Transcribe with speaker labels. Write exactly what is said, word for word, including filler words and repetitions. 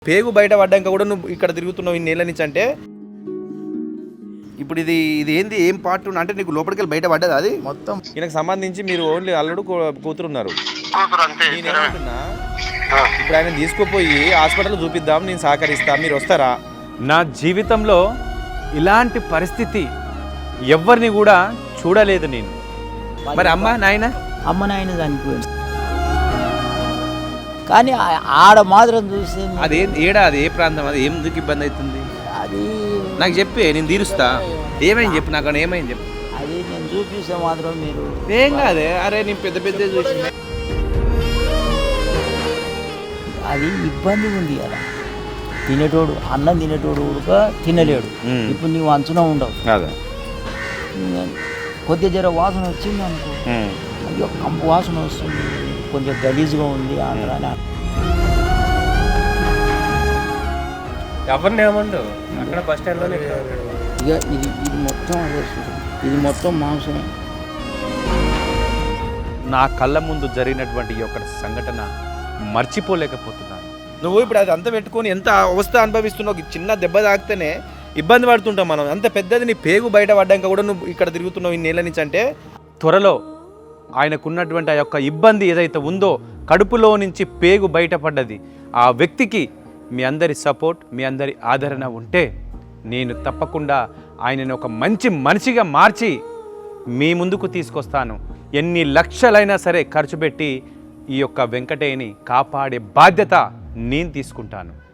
Speaker 1: పేగు బయట పడ్డాక కూడా నువ్వు ఇక్కడ తిరుగుతున్నావు ఇన్నేళ్ళ నుంచి అంటే ఇప్పుడు ఇది ఇది ఏంది ఏం పార్ట్ అంటే నీకు లోపలికి వెళ్ళి బయట పడ్డది అది మొత్తం ఈయనకు సంబంధించి మీరు ఓన్లీ అల్లుడు కూతురు ఉన్నారు. నేనేమంటున్నా ఇప్పుడు ఆయన తీసుకుపోయి హాస్పిటల్ చూపిద్దాం, నేను సహకరిస్తా, మీరు వస్తారా?
Speaker 2: నా జీవితంలో ఇలాంటి పరిస్థితి ఎవరిని కూడా చూడలేదు నేను.
Speaker 1: మరి అమ్మ నాయన
Speaker 3: అమ్మ నాయన చనిపోయింది కానీ ఆడ మాత్రం చూస్తే
Speaker 1: అది ఏడా అది ఏ ప్రాంతం అది ఎందుకు ఇబ్బంది అవుతుంది
Speaker 3: అది
Speaker 1: నాకు చెప్పే నేను తీరుస్తా. ఏమైంది చెప్పు నాకు ఏమైంది చెప్పు.
Speaker 3: అది నేను చూపిస్తే మాత్రం మీరు
Speaker 1: ఏం కాదే అరే నేను పెద్ద పెద్ద చూసి
Speaker 3: అది ఇబ్బంది ఉంది కదా. తినేటోడు అన్నం తినేటోడు కూడా తినలేడు. ఇప్పుడు నీవు అంచున ఉండవు
Speaker 1: అదే
Speaker 3: కొద్దిగా జర వాసన వచ్చింది అనుకో, అయ్యో కంపు వాసన వస్తుంది, కొంచెం గలీజ్గా ఉంది ఆంధ్రాని.
Speaker 2: ఎవరిని ఏమండు అక్కడ బస్ స్టాండ్లోనే
Speaker 3: ఇక ఇది ఇది మొత్తం అదే చూడు, ఇది మొత్తం మాంసమే.
Speaker 2: నా కళ్ళ ముందు జరిగినటువంటి ఈ యొక్క సంఘటన మర్చిపోలేకపోతున్నాను.
Speaker 1: నువ్వు ఇప్పుడు అది అంతా పెట్టుకొని ఎంత అవస్థ అనుభవిస్తున్నావు. చిన్న దెబ్బ తాకితేనే ఇబ్బంది పడుతుంటాం మనం. అంత పెద్దది నీ పేగు బయట పడ్డాక కూడా నువ్వు ఇక్కడ తిరుగుతున్నావు ఇన్నేళ్ళ నుంచి అంటే
Speaker 2: త్వరలో ఆయనకున్నటువంటి ఆ యొక్క ఇబ్బంది ఏదైతే ఉందో, కడుపులో నుంచి పేగు బయటపడ్డది, ఆ వ్యక్తికి మీ అందరి సపోర్ట్, మీ అందరి ఆదరణ ఉంటే నేను తప్పకుండా ఆయనను ఒక మంచి మనిషిగా మార్చి మీ ముందుకు తీసుకొస్తాను. ఎన్ని లక్షలైనా సరే ఖర్చు పెట్టి ఈ యొక్క వెంకటేని కాపాడే బాధ్యత నేను తీసుకుంటాను.